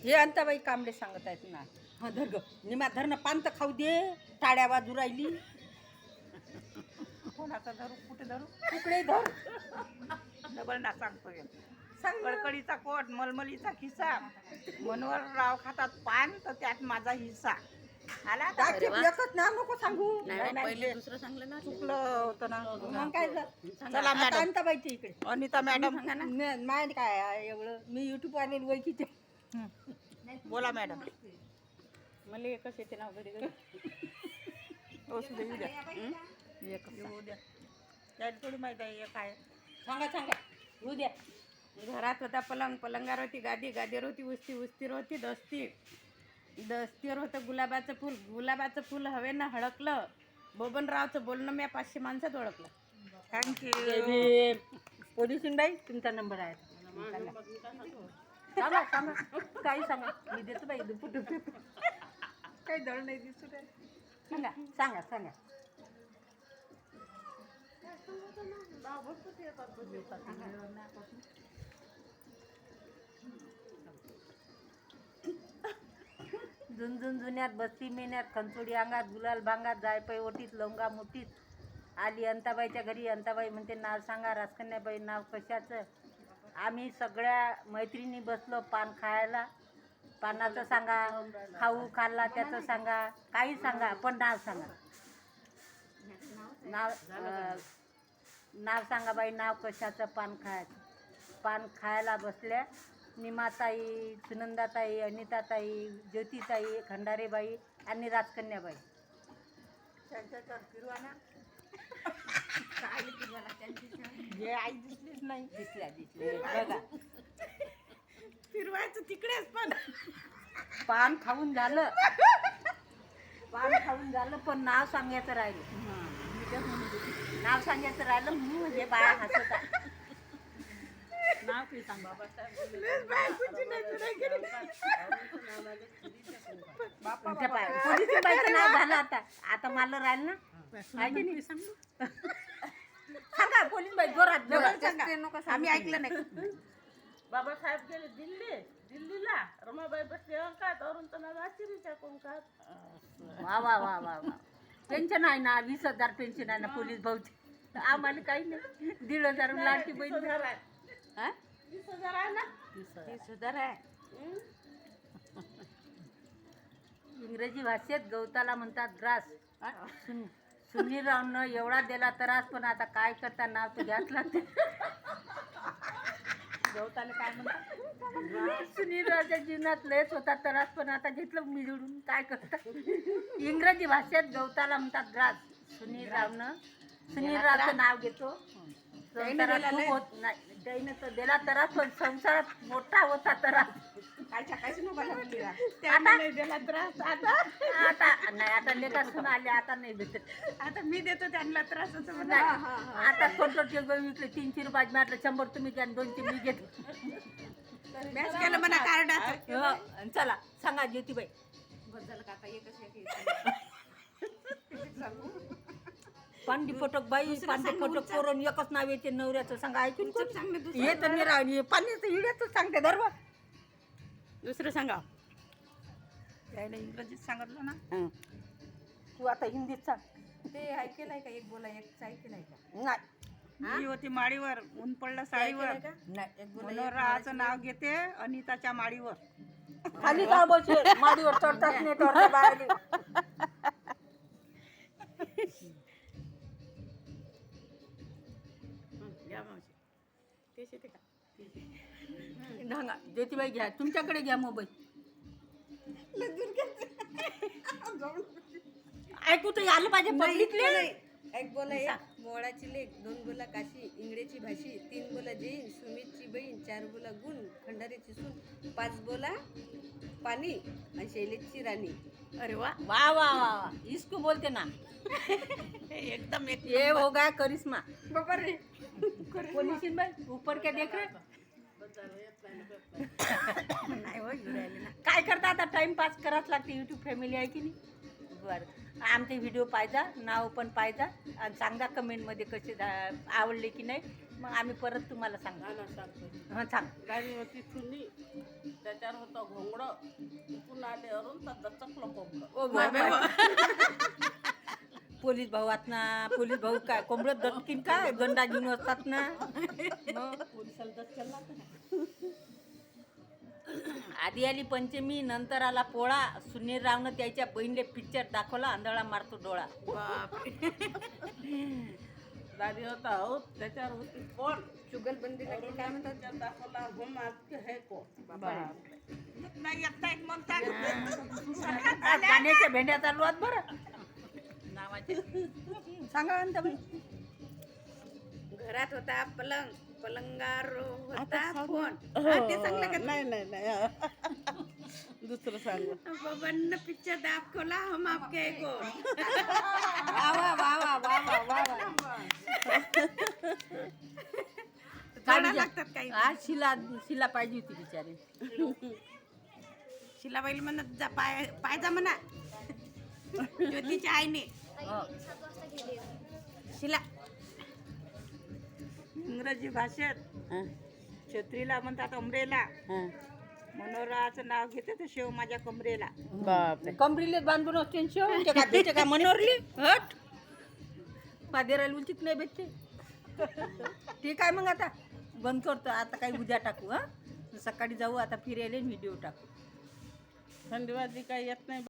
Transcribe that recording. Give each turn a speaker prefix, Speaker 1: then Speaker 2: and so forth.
Speaker 1: हे अंताबाई कांबळे सांगत आहेत ना. हा धर ग निमा धर ना पान तर खाऊ दे. टाळ्या वाजू राहिली.
Speaker 2: कोणाचा धरू कुठे धरू
Speaker 1: तुकडे धर.
Speaker 2: डबल ना सांगतो
Speaker 1: सांग ना.
Speaker 2: कडकडीचा कोट मलमलीचा खिसा मनोहरराव खातात पान तर त्यात माझा हिस्सा आला आता?
Speaker 1: दाखव, एकच नाव नको सांगू.
Speaker 2: नाही,
Speaker 3: पहिले दुसरं सांगलं ना.
Speaker 2: चुकलं होतं ना
Speaker 1: मग काय झालं?
Speaker 2: चला
Speaker 1: आता
Speaker 2: मॅडम
Speaker 1: अंताबाईच्या इकडे
Speaker 2: अनिता मॅडम
Speaker 1: माहिती काय आहे एवढं मी युट्यूब आलेली ओळखीचे.
Speaker 2: बोला मॅडम
Speaker 3: मला एकच येते ना घरी घरी.
Speaker 2: असू दे उद्या येऊ द्या त्याला थोडी माहिती आहे एक आहे
Speaker 1: सांगा सांगा येऊ द्या.
Speaker 3: घरात होता पलंग, पलंगावर होती गादी, गादीवर होती उस्ती, उस्तीवर होती दस्ती, दस्तीवर होतं गुलाबाचं फूल, गुलाबाचं फूल हवेनं हडकलं. बबनरावचं बोलणं मी 500 माणसात ओळखलं.
Speaker 2: थँक्यू
Speaker 1: पोलिसीनबाई तुमचा नंबर आहे. सांगा सांगा काही सांगा मी देतो बाई दुप्पट काही दळ नाही दिसू दे. सांगा सांगा सांगा. झुंझुन जुन्यात बस्ती मेन्यात खंचोडी अंगात गुलाल भांगात जायपाई ओटीत लवंगा मुठीत आली अंताबाईच्या घरी. अंताबाई म्हणते नाव सांगा. राजकन्याबाई नाव कशाचं? आम्ही सगळ्या मैत्रिणी बसलो पान खायला. पानाचं सांगा, खाऊ खाल्ला त्याचं सांगा, काही सांगा पण नाव सांगा. नाव सांगा बाई नाव कशाचं? पान खायचं. पान खायला बसल्या निमाताई, सुनंदाताई, अनिताताई, ज्योतिताई, खंडारेबाई आणि राजकन्याबाई.
Speaker 2: त्यांच्यावर फिरवा ना हे आई दिसलीच नाही
Speaker 1: दिसल्या दिसल्या बघा.
Speaker 2: फिरवायचं तिकडेच पण
Speaker 1: पान खाऊन झालं. पान खाऊन झालं पण नाव सांगायचं राहिलं. नाव सांगायचं राहिलं म्हणून हे बाया हसत आहे.
Speaker 3: नाव काही सांग बाबासाहेब.
Speaker 1: पोलिसीबाईचं नाव झालं आता. आता मला राहिलं ना. आहे की नाही? सांगा पोलीसबाई जोरात जोरात सांगा.
Speaker 2: आम्ही ऐकलं नाही
Speaker 3: बाबासाहेब गेले दिल्लीला. रमाबाई बसले अंकात. अरुणचं नाव आश्चर्याच्या कोंकात.
Speaker 1: वा वा वा वा वा. पेन्शन आहे ना 20,000 पेन्शन आहे ना पोलीस भाऊची. आम्हाला काही नाही. 1,500 लाडकी बहीण.
Speaker 3: 20,000 आहे.
Speaker 1: हा?
Speaker 3: 20,000 आहे ना.
Speaker 1: 30,000 आहे. इंग्रजी भाषेत गवताला म्हणतात ग्रास. सुनीलरावनं एवढा दिला त्रास पण आता काय करता नाव तर घ्याच लागते.
Speaker 3: गवताला काय म्हणतात?
Speaker 1: सुनीलरावच्या जीवनात लयच होता त्रास पण आता घेतलं मिळून काय करता. इंग्रजी भाषेत गवताला म्हणतात ग्रास. सुनीलरावचं नाव घेतो. संसारात खूप होत नाही त्याने तर दिला त्रास पण संसारात मोठा होता त्रास.
Speaker 2: त्यांना नाही दिला त्रास आता
Speaker 1: आता नाही आता लेखा सुन आले आता नाही भेटत.
Speaker 2: आता मी देतो त्यांना त्रास असं म्हणा.
Speaker 1: नाही आता कोणतं टेबल विकले 300 रुपयात म्हटलं 100 तुम्ही घ्या 200 मी घेतले.
Speaker 2: मॅच केलं म्हणा कार्ड
Speaker 1: चला सांगा ज्योतिबाई. पांडी फटक बाई पांडी फटक करून एकच नाव येते नवऱ्याचं सांगा ऐकून हे तर नाही राहिली पाण्याचं हिड्याच सांगते धर्म.
Speaker 3: दुसरं सांगा.
Speaker 2: त्याला इंग्रजीत सांगितलं ना
Speaker 1: तू आता हिंदीत सांग.
Speaker 3: ते ऐकेलंय का? एक बोला एक ऐकेलंय का?
Speaker 1: नाही
Speaker 2: मी होती माडीवर ऊन पडलं साडीवर
Speaker 1: नाही
Speaker 2: मनोहररावाचं नाव घेते अनिताच्या माडीवर
Speaker 1: खाली का बसे माडीवर चढतात नाही तर बाहेर.
Speaker 3: घ्या मावशी. तेच येते का?
Speaker 1: सांगा ज्योतिबाई घ्या तुमच्याकडे घ्या मोबाईल. ऐकू तर आलं पाहिजे पब्लिकले.
Speaker 4: एक बोला एक मोळाची लेख, 2 बोला काशी, इंगळेची भाषी, 3 बोला जैन, सुमितची बहीण, 4 बोला गुण, खंडारीची सून, 5 बोला पाणी आणि शैलेशची राणी.
Speaker 1: अरे वा वा वा वा वा इसको बोलते ना.
Speaker 2: एकदम एक
Speaker 1: ये हो गया करिश्मा. पोलिसीन बाई ऊपर क्या देख रहे. नाही हो राहिले ना. काय करता आता टाइमपास करावंच लागते. यूट्यूब फॅमिली आहे की नाही. बरं आमचे व्हिडिओ पाहिजा नाव पण पाहिजा आणि सांगा कमेंटमध्ये कसे आवडले की नाही. मग आम्ही परत तुम्हाला सांगू.
Speaker 3: सांगतो.
Speaker 1: हां सांग.
Speaker 3: गाडी होती चुनी, त्याच्यावर होतं घोंगडं, तिथून आले अरून तर दचकलं कोंबडं.
Speaker 1: ओ पोलीस भाऊ आत ना, पोलीस भाऊ काय कोंबडत दटकीन काय, दंडा घेऊन असतात ना.
Speaker 3: पोलिसाला दचकलं ना.
Speaker 1: आधी आली पंचमी, नंतर आला पोळा. सुनील रावनं त्याच्या बहिणीले पिक्चर दाखवला, आंधळा मारतो डोळा.
Speaker 3: गाडी होता हो, त्याच्यावर होती कोण,
Speaker 4: जुगलबंदीला की काय म्हणतात
Speaker 3: त्याच्यावर दाखवला हम आपके है कोण.
Speaker 2: येत नाही म्हणतात.
Speaker 1: आज गाण्याच्या भेंड्या चालू आहेत बरं नावाचे. सांगा अंताबाई.
Speaker 3: घरात होता पलंग, पलंगावर होता फोन. ते सांगलं का? नाही दुसरं सांग. बबन पिक्चर दाखवला हम आपके है कोण.
Speaker 1: वा वा वा वा वा वा वा वा.
Speaker 3: लागतात काही.
Speaker 1: आज शिला पाहिजे होती बिचारी.
Speaker 3: शिलाबाई म्हणत जा पाय जा म्हणा. ज्योतीच्या आईने
Speaker 1: हो.
Speaker 3: शिला
Speaker 2: इंग्रजी भाषेत छत्रीला म्हणतात अमरेला. मनोहराचं नाव घेते तर शेव माझ्या कमरेला.
Speaker 1: कमरीले बांधून असते शेव का भेटते का मनोरली हट पादेराला उचित नाही भेटते. ठीक आहे मग आता बंद करतो. आता काही उद्या टाकू. सकाळी जाऊ आता फिरायला व्हिडिओ टाकू.
Speaker 3: थंडी वाजली काही येत नाही.